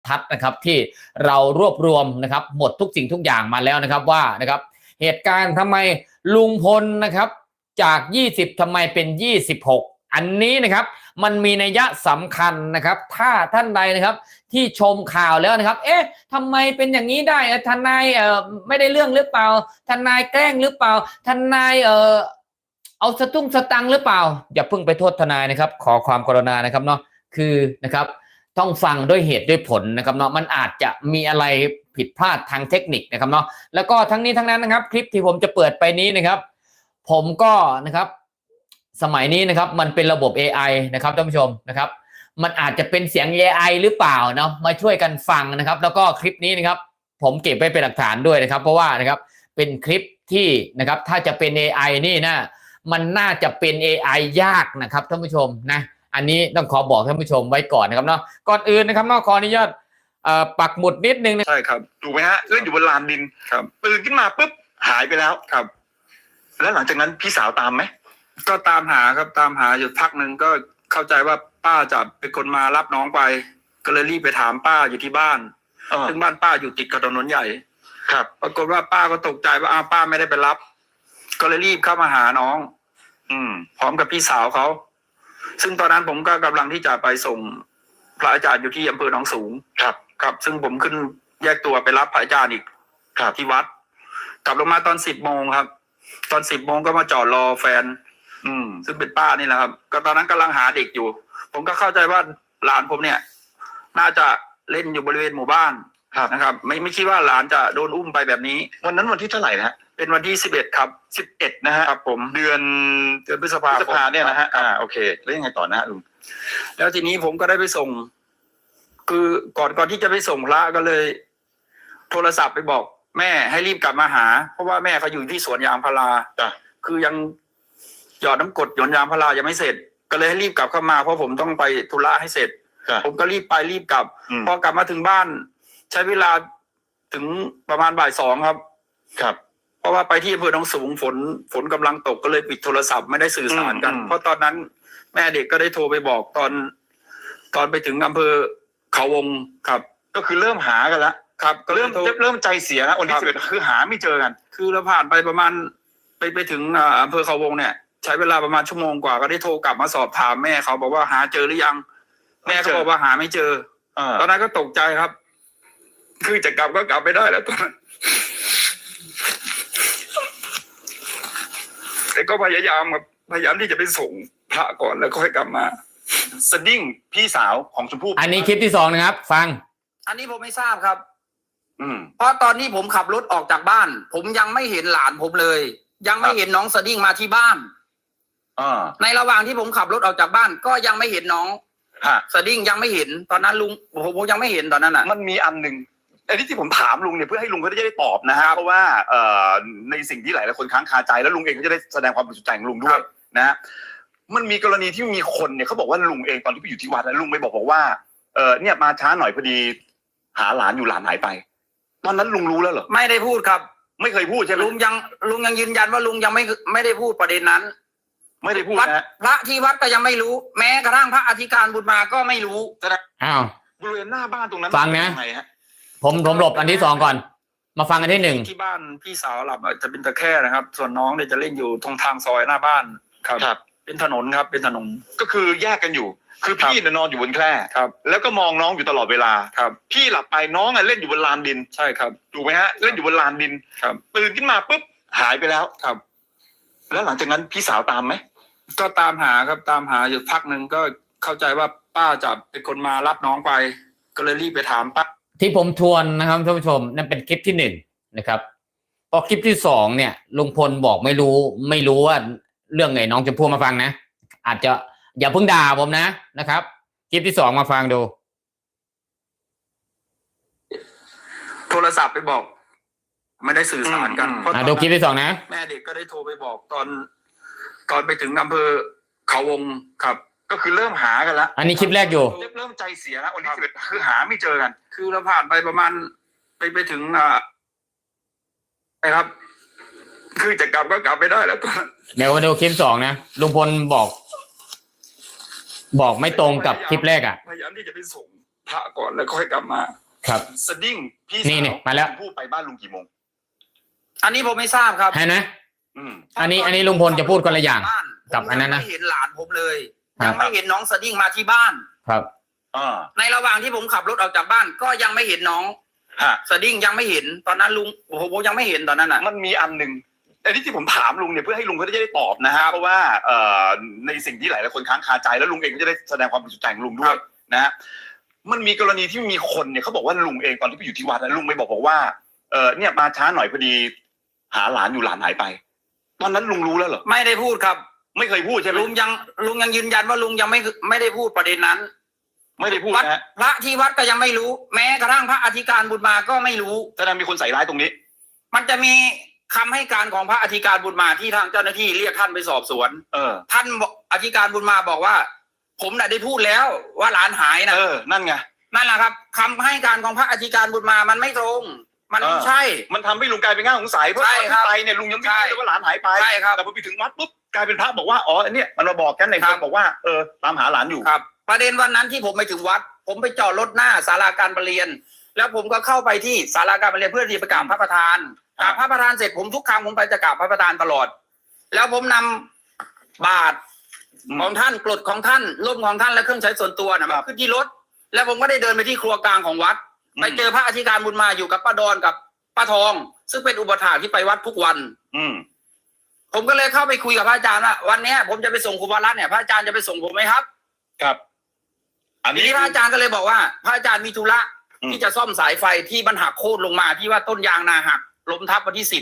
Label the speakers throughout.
Speaker 1: ทัดนะครับที่เรารวบรวมนะครับหมดทุกสิ่งทุกอย่างมาแล้วนะครับว่านะครับเหตุการณ์ทำไมลุงพลนะครับจาก20ทำไมเป็น26อันนี้นะครับมันมีนัยยะสำคัญนะครับถ้าท่านใดนะครับที่ชมข่าวแล้วนะครับเอ๊ะทำไมเป็นอย่างนี้ได้ทนายไม่ได้เรื่องหรือเปล่าทนายแกล้งหรือเปล่าทนายเอาสตุ้งสตังหรือเปล่าอย่าเพิ่งไปโทษทนายนะครับขอความกรุณานะครับเนาะคือนะครับต้องฟังด้วยเหตุด้วยผลนะครับเนาะมันอาจจะมีอะไรผิดพลาดทางเทคนิคนะครับเนาะแล้วก็ทั้งนี้ทั้งนั้นนะครับคลิปที่ผมจะเปิดไปนี้นะครับผมก็นะครับสมัยนี้นะครับมันเป็นระบบ AI นะครับท่านผู้ชมนะครับมันอาจจะเป็นเสียง AI หรือเปล่าเนาะมาช่วยกันฟังนะครับแล้วก็คลิปนี้นะครับผมเก็บไว้เป็นหลักฐานด้วยนะครับเพราะว่านะครับเป็นคลิปที่นะครับถ้าจะเป็น AI นี่นะมันน่าจะเป็น AI ยากนะครับท่านผู้ชมนะอันนี้ต้องขอบอกท่านผู้ชมไว้ก่อนนะครับเนาะก่อนอื่นนะครับเนาะขออนุญาตปักหมุดนิดนึงนะ
Speaker 2: ใช่ครับถูกไหมฮะเล่นอยู่บนลานดินครับตื่นขึ้นมาปุ๊บหายไปแล้วครับแล้วหลังจากนั้นพี่สาวตามไหม
Speaker 3: ก็ตามหาครับตามหาอยู่พักหนึ่งก็เข้าใจว่าป้าจะเป็นคนมารับน้องไปก็เลยรีบไปถามป้าอยู่ที่บ้านซึ่งบ้านป้าอยู่ติดกับถนนใหญ่
Speaker 2: ครับ
Speaker 3: ปรากฏว่าป้าก็ตกใจว่าป้าไม่ได้ไปรับก็เลยรีบเข้ามาหาน้องพร้อมกับพี่สาวเขาซึ่งตอนนั้นผมก็กำลังที่จะไปส่งพระอาจารย์อยู่ที่อำเภอหนองสูงครับซึ่งผมขึ้นแยกตัวไปรับพระอาจารย์อีกที่วัดกลับลงมาตอน10 โมงครับตอน10 โมงก็มาจอดรอแฟนซึ่งเป็นป้านี่แหละครับก็ตอนนั้นกำลังหาเด็กอยู่ผมก็เข้าใจว่าหลานผมเนี่ยน่าจะเล่นอยู่บริเวณหมู่บ้านนะครับไม่คิดว่าหลานจะโดนอุ้มไปแบบนี้
Speaker 2: วันนั้นวันที่เท่าไหร่นะ
Speaker 3: เป็นวันที่11ครับ
Speaker 2: 11นะฮะ
Speaker 3: ครับผม
Speaker 2: เดือน
Speaker 3: พฤษภา
Speaker 2: เนี่ยนะฮะโอเคแล้วยังไงต่อนะลุง
Speaker 3: แล้วทีนี้ผมก็ได้ไปส่งคือก่อนที่จะไปส่งพระก็เลยโทรศัพท์ไปบอกแม่ให้รีบกลับมาหาเพราะว่าแม่เขาอยู่ที่สวนยางพาราคือยังหยอดน้ำกรดหยดยางพารายังไม่เสร็จก็เลยให้รีบกลับเข้ามาเพราะผมต้องไปธุระให้เสร็จผมก็รีบไปรีบกลับพอกลับมาถึงบ้านใช้เวลาถึงประมาณบ่าย 2ครับเพราะว่าไปที่อำเภอหนองสูงฝนกำลังตกก็เลยปิดโทรศัพท์ไม่ได้สื่อสารกันเพราะตอนนั้นแม่เด็กก็ได้โทรไปบอกตอนไปถึงอำเภอเขาวงครับ
Speaker 2: ก็คือเริ่มหากันแล้ว
Speaker 3: ครับก็
Speaker 2: เริ่มใจเสียนะวันที่11คือหาไม่เจอกัน
Speaker 3: คือเราผ่านไปประมาณไปถึงอำเภอเขาวงเนี่ยใช้เวลาประมาณชั่วโมงกว่าก็ได้โทรกลับมาสอบถามแม่เขาบอกว่าหาเจอหรือยังแม่เขาบอกว่าหาไม่เจอตอนนั้นก็ตกใจครับคือจะกลับก็กลับไม่ได้แล้วตอนนั้นแต่ก็พยายามที่จะไปส่งพระก่อนแล้วก็ค่อยกลับมา
Speaker 2: สดิ้งพี่สาวของชมพู่
Speaker 1: อันนี้คลิปที่2นะครับฟัง
Speaker 3: อันนี้ผมไม่ทราบครับเพราะตอนนี้ผมขับรถออกจากบ้านผมยังไม่เห็นหลานผมเลยยังไม่เห็นน้องสดิ้งมาที่บ้านในระหว่างที่ผมขับรถออกจากบ้านก็ยังไม่เห็นน้องสดิ้งยังไม่เห็นตอนนั้นลุงผมยังไม่เห็นตอนนั้นอ่ะ
Speaker 2: มันมีอันหนึ่งไอ้ที่ผมถามลุงเนี่ยเพื่อให้ลุงเขาได้ตอบนะฮะเพราะว่าในสิ่งที่หลายคนค้างคาใจแล้วลุงเองก็จะได้แสดงความบริสุทธิ์ใจของลุงด้วยนะฮะมันมีกรณีที่มีคนเนี่ยเขาบอกว่าลุงเองตอนที่ไปอยู่ที่วัดแล้วลุงไปบอกว่าเนี่ยมาช้าหน่อยพอดีหาหลานอยู่หลานหายไปตอนนั้นลุงรู้แล้วเหรอ
Speaker 3: ไม่ได้พูดครับ
Speaker 2: ไม่เคยพูดใช่ไหม
Speaker 3: ลุงยังยืนยันว่าลุงยังไม่ได้พูดประเด็นนั้น
Speaker 2: ไม่ได้พูดนะ
Speaker 3: พระที่วัดก็ยังไม่รู้แม้กระทั่งพระอธิการบุญมาก็ไม่รู้
Speaker 1: อ้าว
Speaker 2: บริเวณหน้าบ้านตรงนั้น
Speaker 1: ฟังนะผมหลบอันที่2ก่อนมาฟังอันที่1
Speaker 3: ที่บ้านพี่สาวหลับจะเป็นตะแคร่นะครับส่วนน้องเนี่ยจะเล่นอยู่ตรงทางซอยหน้าบ้านครับเป็นถนนครับเป็นถนน
Speaker 2: ก็คือแยกกันอยู่คือพี่นอนอยู่บนแคร่
Speaker 3: ครับ
Speaker 2: แล้วก็มองน้องอยู่ตลอดเวลา
Speaker 3: ครับ
Speaker 2: พี่หลับไปน้องเล่นอยู่บนลานดิน
Speaker 3: ใช่ครับ
Speaker 2: ถูกไหมฮะเล่นอยู่บนลานดิน
Speaker 3: ครับ
Speaker 2: ตื่นขึ้นมาปุ๊บหายไปแล้ว
Speaker 3: ครับ
Speaker 2: แล้วหลังจากนั้นพี่สาวตามไหม
Speaker 3: ก็ตามหาครับตามหาอยู่พักหนึ่งก็เข้าใจว่าป้าจะเป็นคนมารับน้องไปก็เลยรีบไปถามป้า
Speaker 1: ที่ผมทวนนะครับท่านผู้ชมนั่นเป็นคลิปที่1นะครับพอคลิปที่2เนี่ยลุงพลบอกไม่รู้ว่าเรื่องไงน้องชมพู่มาฟังนะอาจจะอย่าเพิ่งด่าผมนะครับคลิปที่2มาฟังดู
Speaker 3: โทรศัพท์ไปบอกไม่ได้สื่อสารกัน
Speaker 1: ดูคลิปที่2นะ
Speaker 3: แม่เด็กก็ได้โทรไปบอกตอนไปถึงอำเภอเขาวงครับ
Speaker 2: ก็คือเริ่มหากันแล้ว
Speaker 1: อันนี้คลิปแรกอยู่
Speaker 2: เริ่มใจเสียนะวันที่11คือหาไม่เจอกัน
Speaker 3: คือเราผ่านไปประมาณไปถึงครับคือจะกลับก็กลับไม่ได้แล้ว
Speaker 1: เดี๋ยวมาดูคลิป2นะลุงพลบอกไม่ตรงกับคลิปแรกอ่ะ
Speaker 3: พยายามที่จะไปส่งพระก่อนแล้วค่อยกลับมา
Speaker 1: ครับ
Speaker 2: สดิ้งพี่
Speaker 1: นี่
Speaker 2: สาว
Speaker 1: มาแล้ว
Speaker 2: ชมพู่ไปบ้านลุงกี่โมง
Speaker 3: อันนี้ผมไม่ทราบครับ
Speaker 1: เห็นไหม
Speaker 2: อืม
Speaker 1: อันนี้ลุงพลจะพูดคนละอย่าง
Speaker 3: บ้น
Speaker 1: กับอันนั้นนะ
Speaker 3: ผมยังไม่เห็นหลานผมเลย
Speaker 1: ครับ
Speaker 3: ยังไม่เห็นน้องสดิ้งมาที่บ้าน
Speaker 1: ครับ
Speaker 2: อ่า
Speaker 3: ในระหว่างที่ผมขับรถออกจากบ้าน ก็ยังไม่เห็นน้อง
Speaker 2: ฮะ
Speaker 3: สดิ้งยังไม่เห็นตอนนั้นลุงผมยังไม่เห็นตอนนั้นอ่ะ
Speaker 2: มันมีอันหนึ่งแต่ที่ผมถามลุงเนี่ยเพื่อให้ลุงเขาจะได้ตอบนะฮะเพราะว่าในสิ่งที่หลายๆคนค้างคาใจแล้วลุงเองก็จะได้แสดงความบริสุทธิ์ใจของลุงด้วยนะฮะมันมีกรณีที่มีคนเนี่ยเขาบอกว่าลุงเองตอนที่ไปอยู่ที่วัดนะลุงไม่บอกว่าเนี่ยมาช้าหน่อยพอดีหาหลานอยู่หลานหายไป ตอนนั้นลุงรู้แล้วเหรอ
Speaker 3: ไม่ได้พูดครับ
Speaker 2: ไม่เคยพูดใช่ไหม
Speaker 3: ลุงยังยืนยันว่าลุงยังไม่ได้พูดประเด็นนั้น
Speaker 2: ไม่ได้พูด
Speaker 3: วัด
Speaker 2: นะฮะ
Speaker 3: พระที่วัดก็ยังไม่รู้ แม้กระทั่งพระอธิการบุญมาก็ไม่รู้
Speaker 2: แสดงมีคนใส่ร้ายตรงนี้
Speaker 3: มันจะมีคำให้การของพระอธิการบุญมาที่ทางเจ้าหน้าที่เรียกท่านไปสอบสวน ท่านอธิการบุญมาบอกว่า ผมน่ะได้พูดแล้วว่าหลานหายนะ
Speaker 2: นั่นไง
Speaker 3: นั่นแหละครับคำให้การของพระอธิการบุญมามันไม่ตรง มันไม่ใช่
Speaker 2: มันทำให้ลุงกลายเป็นง่าสงสัยเพราะ
Speaker 3: ใช่
Speaker 2: ตอน
Speaker 3: ครั
Speaker 2: ที่
Speaker 3: บ
Speaker 2: ไปเนี่ยลุงยังไม่รู้เลยว่าหลานหายไป
Speaker 3: ใช่ครับ
Speaker 2: แต่พอไปถึงวัดปุ๊บกลายเป็นพระบอกว่าอ๋อเนี่ยมันมาบอกกันใน
Speaker 3: ครั
Speaker 2: เฟ
Speaker 3: บ
Speaker 2: ซบอกว่าตามหาหลานอยู่
Speaker 3: ครับ ประเด็นวันนั้นที่ผมไปถึงวัด ผมไปจอดรถหน้าศาลาการประเรียน แล้วผมก็เข้าไปที่ศาลาการประเรียนเพื่อที่จะกราบพระประธานกราบพระประธานเสร็จผมทุกครั้งผมไปจะกราบพระประธานตลอด แล้วผมนำบาตรของท่านกรดของท่านร่มของท่านและเครื่องใช้ส่วนตัวนะมาขึ้นที่รถ แล้วผมก็ได้เดินไปที่ครัวกลางของวัด ไปเจอพระอธิการบุญมาอยู่กับป้าดอนกับป้าทอง ซึ่งเป็นอุปถากที่ไปวัดทุกวัน ผมก็เลยเข้าไปคุยกับพระอาจารย์ว่าวันนี้ผมจะไปส่งครูบารัตน์เนี่ยพระอาจารย์จะไปส่งผมไหมครับ
Speaker 2: ครับ อัน
Speaker 3: ที
Speaker 2: นี้
Speaker 3: นี้พระอาจารย์ก็เลยบอกว่าพระอาจารย์มีธุระที่จะซ่อมสายไฟที่มันหักโค่นลงมาที่ว่าต้นยางนาหักล้มทับวันที่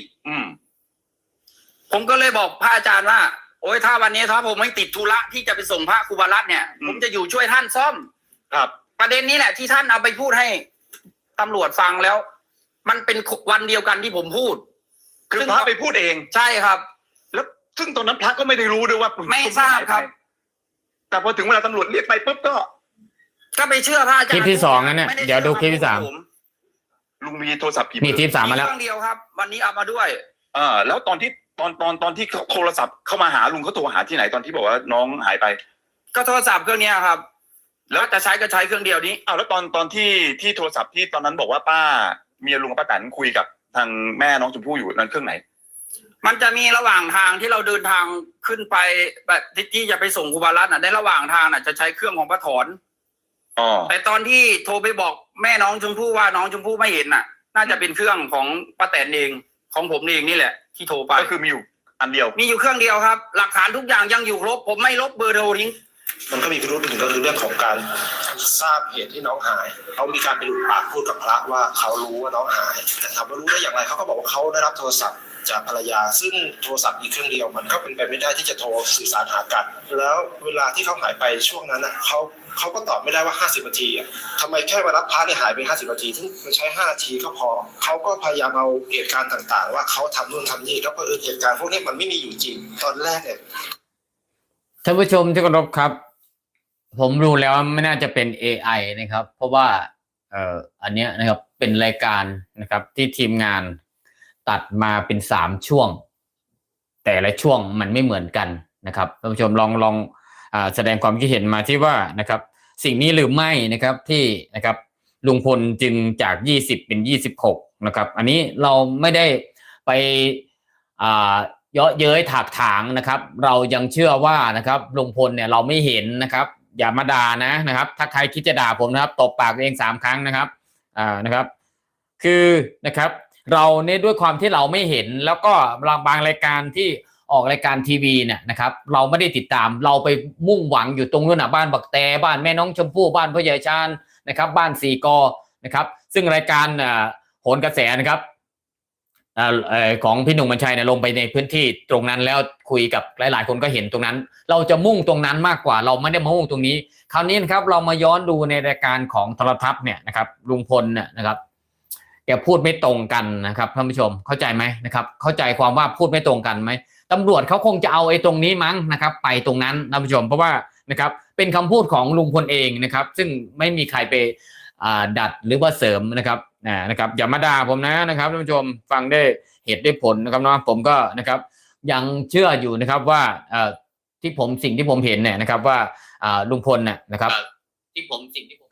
Speaker 3: 10ผมก็เลยบอกพระอาจารย์ว่าโอ้ยถ้าวันนี้ถ้าผมไม่ติดธุระที่จะไปส่งพระครูบารัตน์เนี่ยผมจะอยู่ช่วยท่านซ่อม
Speaker 2: ครับ
Speaker 3: ประเด็นนี้แหละที่ท่านเอาไปพูดให้ตำรวจฟังแล้ว มันเป็นวันเดียวกันที่ผมพูด
Speaker 2: คือพระไปพูดเอง
Speaker 3: ใช่ครับ
Speaker 2: แล้วซึ่งตอนนั้นพระก็ไม่ได้รู้ด้วยว่า
Speaker 3: ไม่ทราบครับ
Speaker 2: แต่พอถึงเวลาตำรวจเรียกไปปุ๊บก็
Speaker 3: ไปเชื่อพระอาจารย์
Speaker 1: คลิปที่สองนั่นเนี่ย
Speaker 3: ไม่ไ
Speaker 1: เดี๋ยวดูคลิปที่ 3
Speaker 2: ลุงมีโทรศัพท์กี่
Speaker 1: มีคลิป 3มาแล้ว
Speaker 3: เครื่องเดียวครับ วันนี้เอามาด้วย
Speaker 2: แล้วตอนที่ตอนที่โทรศัพท์เข้ามาหาลุงเขาโทรหาที่ไหนตอนที่บอกว่าน้องหายไป
Speaker 3: ก็โทรศัพท์เครื่องเนี้ยครับ แล้วจะใช้ก็ใช้เครื่องเดียวนี้
Speaker 2: แล้วตอนที่โทรศัพท์ที่ตอนนั้นบอกว่าป้าเมียลุงกับป้าแตนคุยกับทางแม่น้องชมพู่อยู่นั้นเครื่องไหน
Speaker 3: มันจะมีระหว่างทางที่เราเดินทางขึ้นไปแบบที่จะไปส่งครูบารัตน์ในระหว่างทางจะใช้เครื่องของป้าถอนแต่ตอนที่โทรไปบอกแม่น้องชมพู่ว่าน้องชมพู่ไม่เห็นน่าจะเป็นเครื่องของป้าแตนเองของผมเองนี่แหละที่โทรไป
Speaker 2: ก็คือมีอยู่อันเดียว
Speaker 3: มีอยู่เครื่องเดียวครับ หลักฐานทุกอย่างยังอยู่ครบผมไม่ลบเบอร์โทรทิ้ง
Speaker 4: มันก็มีพิรุธหนึ่งก็คือเรื่องของการทราบเหตุที่น้องหายเขามีการไปหลุดปากพูดกับพระว่าเขารู้ว่าน้องหายแต่ถามว่ารู้ได้อย่างไรเขาก็บอกว่าเขาได้รับโทรศัพท์จากภรรยาซึ่งโทรศัพท์มีเครื่องเดียวมันก็เป็นไปไม่ได้ที่จะโทรสื่อสารหากันแล้วเวลาที่เขาหายไปช่วงนั้นเขาก็ตอบไม่ได้ว่า50นาทีทำไมแค่มารับพระเนี่ยหายไป50นาทีซึ่งมันใช้5นาทีก็พอเขาก็พยายามเอาเหตุการณ์ต่างๆว่าเขาทำนู่นทำนี่แล้วก็เหตุการณ์พวกนี้มันไม่มีอยู่จริงตอนแรกเนี่ย
Speaker 1: ท่านผู้ชมที่เคารพครับ ผมรู้แล้วไม่น่าจะเป็น AI นะครับ เพราะว่าอันเนี้ยนะครับเป็นรายการนะครับที่ทีมงานตัดมาเป็น3ช่วง แต่ละช่วงมันไม่เหมือนกันนะครับท่านผู้ชมลองแสดงความคิดเห็นมาที่ว่านะครับสิ่งนี้หรือไม่นะครับที่นะครับลุงพลจึงจาก20เป็น26นะครับอันนี้เราไม่ได้ไปเยาะเย้ยถากถางนะครับเรายังเชื่อว่านะครับลุงพลเนี่ยเราไม่เห็นนะครับอย่ามาด่านะครับถ้าใครคิดจะด่าผมนะครับตบปากตัวเอง3ครั้งนะครับนะครับคือนะครับเราเนี่ยด้วยความที่เราไม่เห็นแล้วก็บางรายการที่ออกรายการทีวีเนี่ยนะครับเราไม่ได้ติดตามเราไปมุ่งหวังอยู่ตรงนู้นบ้านบักแตบ้านแม่น้องชมพู่บ้านพ่อใหญ่ชาญนะครับบ้านสี่กอนะครับซึ่งรายการโหนกระแสนะครับของพี่หนุ่มบัญชัยเนี่ยลงไปในพื้นที่ตรงนั้นแล้วคุยกับหลายๆคนก็เห็นตรงนั้นเราจะมุ่งตรงนั้นมากกว่าเราไม่ได้มามุ่งตรงนี้คราวนี้นะครับเรามาย้อนดูในรายการของโทรทัศน์เนี่ยนะครับลุงพลเนี่ยนะครับแกพูดไม่ตรงกันนะครับท่านผู้ชมเข้าใจไหมนะครับเข้าใจความว่าพูดไม่ตรงกันไหมตำรวจเขาคงจะเอาไอ้ตรงนี้มั้งนะครับไปตรงนั้นท่านผู้ชมเพราะว่านะครับเป็นคำพูดของลุงพลเองนะครับซึ่งไม่มีใครไปดัดหรือว่าเสริมนะครับนะครับอย่ามาด่าผมนะครับท่านผู้ชมฟังได้เหตุได้ผลนะครับเนาะผมก็นะครับยังเชื่ออยู่นะครับว่าสิ่งที่ผมเห็นเนี่ยนะครับว่าลุงพลเนี่ยนะครับที่ผม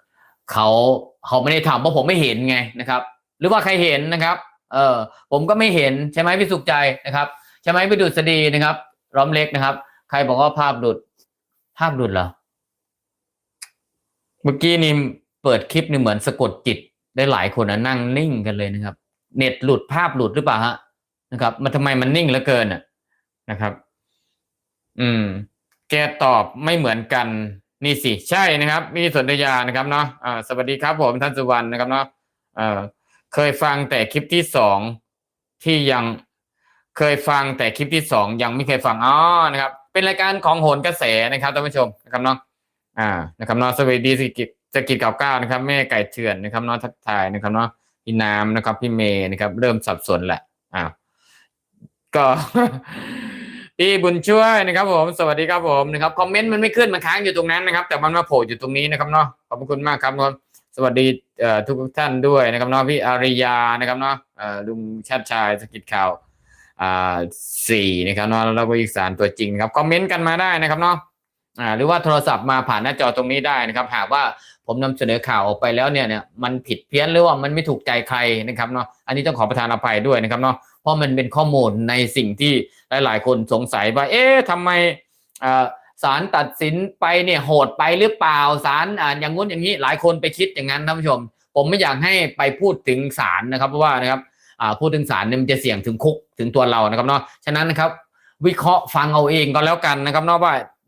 Speaker 1: เขาไม่ได้ทำเพราะผมไม่เห็นไงนะครับ หรือว่าใครเห็นนะครับ ผมก็ไม่เห็นใช่ไหมพี่สุขใจนะครับใช่ไหมพี่ดุษฎีนะครับร้อมเล็กนะครับ ใครบอกว่าภาพหลุดเหรอเมื่อกี้นี่เปิดคลิปนี่เหมือนสะกดจิตได้หลายคนนะนั่งนิ่งกันเลยนะครับ เน็ตหลุดภาพหลุดหรือเปล่าฮะนะครับมันทำไมมันนิ่งเหลือเกินนะครับ แกตอบไม่เหมือนกันนี่สิใช่นะครับมีสนธยานะครับเนาะสวัสดีครับผมท่านสุวรรณนะครับเนาะเคยฟังแต่คลิปที่2ที่ยังเคยฟังแต่คลิปที่2ยังไม่เคยฟังนะครับ เป็นรายการของโหนกระแสนะครับท่านผู้ชมนะครับเนาะนะครับเนาะสวัสดีสกิจ99นะครับแม่ไก่เถื่อนนะครับเนาะทักทายนะครับเนาะพี่น้ำนะครับพี่เมย์นะครับเริ่มสับสนแหละก็ พี่บุญช่วยนะครับผมสวัสดีครับผมนะครับคอมเมนต์มันไม่ขึ้นมันค้างอยู่ตรงนั้นนะครับแต่มันมาโผล่อยู่ตรงนี้นะครับเนาะขอบคุณมากครับสวัสดีทุกท่านด้วยนะครับเนาะพี่อาริยานะครับเนาะลุงชาติชายสกิจข่าว4นะครับเนาะแล้วก็อีสานตัวจริงครับคอมเมนต์กันมาได้นะครับเนาะหรือว่าโทรศัพท์มาผ่านหน้าจอตรงนี้ได้นะครับหากว่าผมนำเสนอข่าวออกไปแล้วเนี่ยมันผิดเพี้ยนหรือว่ามันไม่ถูกใจใครนะครับเนาะอันนี้ต้องขอประทานอภัยด้วยนะครับเนาะเพราะมันเป็นข้อมูลในสิ่งที่หลายๆคนสงสัยว่าทำไมศาลตัดสินไปเนี่ยโหดไปหรือเปล่าศาลอย่างงู้นอย่างนี้หลายคนไปคิดอย่างนั้นท่านผู้ชมผมไม่อยากให้ไปพูดถึงศาลนะครับเพราะว่านะครับพูดถึงศาลเนี่ยมันจะเสี่ยงถึงคุกถึงตัวเรานะครับเนาะฉะนั้นนะครับวิเคราะห์ฟังเอาเองก็แล้วกันนะครับเนาะว่า